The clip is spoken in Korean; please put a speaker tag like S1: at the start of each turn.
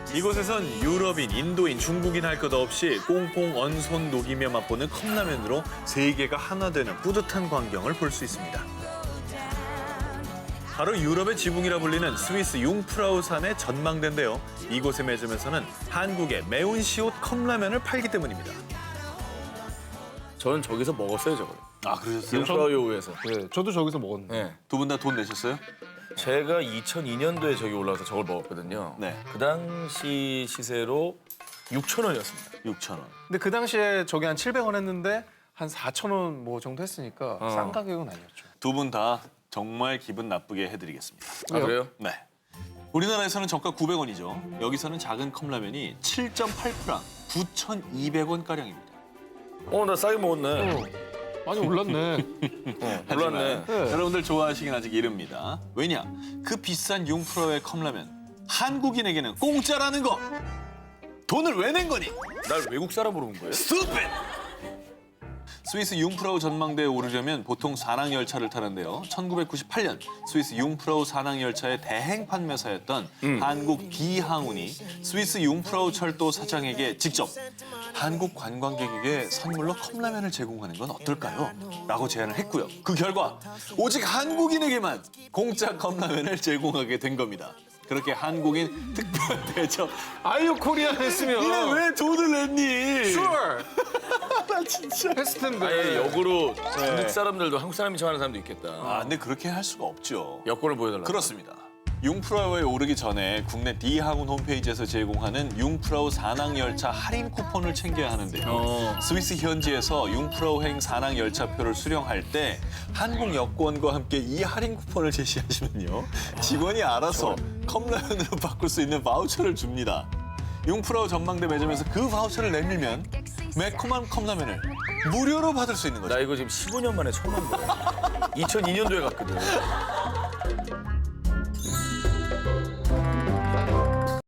S1: 이곳에선 유럽인, 인도인, 중국인 할 것 없이 꽁꽁 언손 녹이며 맛보는 컵라면으로 세계가 하나 되는 뿌듯한 광경을 볼 수 있습니다. 바로 유럽의 지붕이라 불리는 스위스 융프라우산의 전망대인데요. 이곳의 매점에서는 한국의 매운 시옷 컵라면을 팔기 때문입니다.
S2: 저는 저기서 먹었어요, 저걸.
S1: 아, 그러셨어요?
S2: 융프라우요에서.
S3: 네, 저도 저기서 먹었는데.
S2: 네.
S1: 두 분 다 돈 내셨어요?
S2: 제가 2002년도에 저기 올라와서 저걸 먹었거든요.
S1: 네.
S2: 그 당시 시세로 6,000원이었습니다.
S1: 6,000원.
S3: 근데 그 당시에 저기 한 700원 했는데 한 4,000원 뭐 정도 했으니까 싼 가격은 아니었죠.
S1: 두 분 다 정말 기분 나쁘게 해드리겠습니다.
S2: 아, 그래요?
S1: 네. 우리나라에서는 정가 900원이죠. 여기서는 작은 컵라면이 7.8프랑 9,200원가량입니다.
S2: 나 싸게 먹었네.
S3: 많이 올랐네.
S2: 몰랐네.
S1: 여러분들 좋아하시긴 아직 이릅니다. 왜냐? 그 비싼 융프라우의 컵라면 한국인에게는 공짜라는 거! 돈을 왜 낸 거니?
S2: 날 외국 사람으로 온 거예요?
S1: 스투핏! 스위스 융프라우 전망대에 오르려면 보통 산악열차를 타는데요. 1998년 스위스 융프라우 산악열차의 대행 판매사였던 한국 D항운이 스위스 융프라우 철도 사장에게 직접 한국 관광객에게 선물로 컵라면을 제공하는 건 어떨까요? 라고 제안을 했고요. 그 결과 오직 한국인에게만 공짜 컵라면을 제공하게 된 겁니다. 그렇게 한국인 특별 대접.
S3: 아이유 코리아 했으면.
S1: 니네 왜 돈을 냈니?
S3: Sure.
S1: 나 진짜.
S3: 했을 텐데.
S2: 아예 역으로 중국 사람들도 한국 사람인 척 하는 사람도 있겠다.
S1: 아, 근데 그렇게 할 수가 없죠.
S2: 여권을 보여달라고.
S1: 그렇습니다. 융프라우에 오르기 전에 국내 D항운 홈페이지에서 제공하는 융프라우 산악열차 할인 쿠폰을 챙겨야 하는데요. 스위스 현지에서 융프라우행 산악열차표를 수령할 때 한국 여권과 함께 이 할인 쿠폰을 제시하시면요. 직원이 알아서 컵라면으로 바꿀 수 있는 바우처를 줍니다. 융프라우 전망대 매점에서 그 바우처를 내밀면 매콤한 컵라면을 무료로 받을 수 있는 거죠.
S2: 나 이거 지금 15년 만에 처음 한 거야. 2002년도에 갔거든.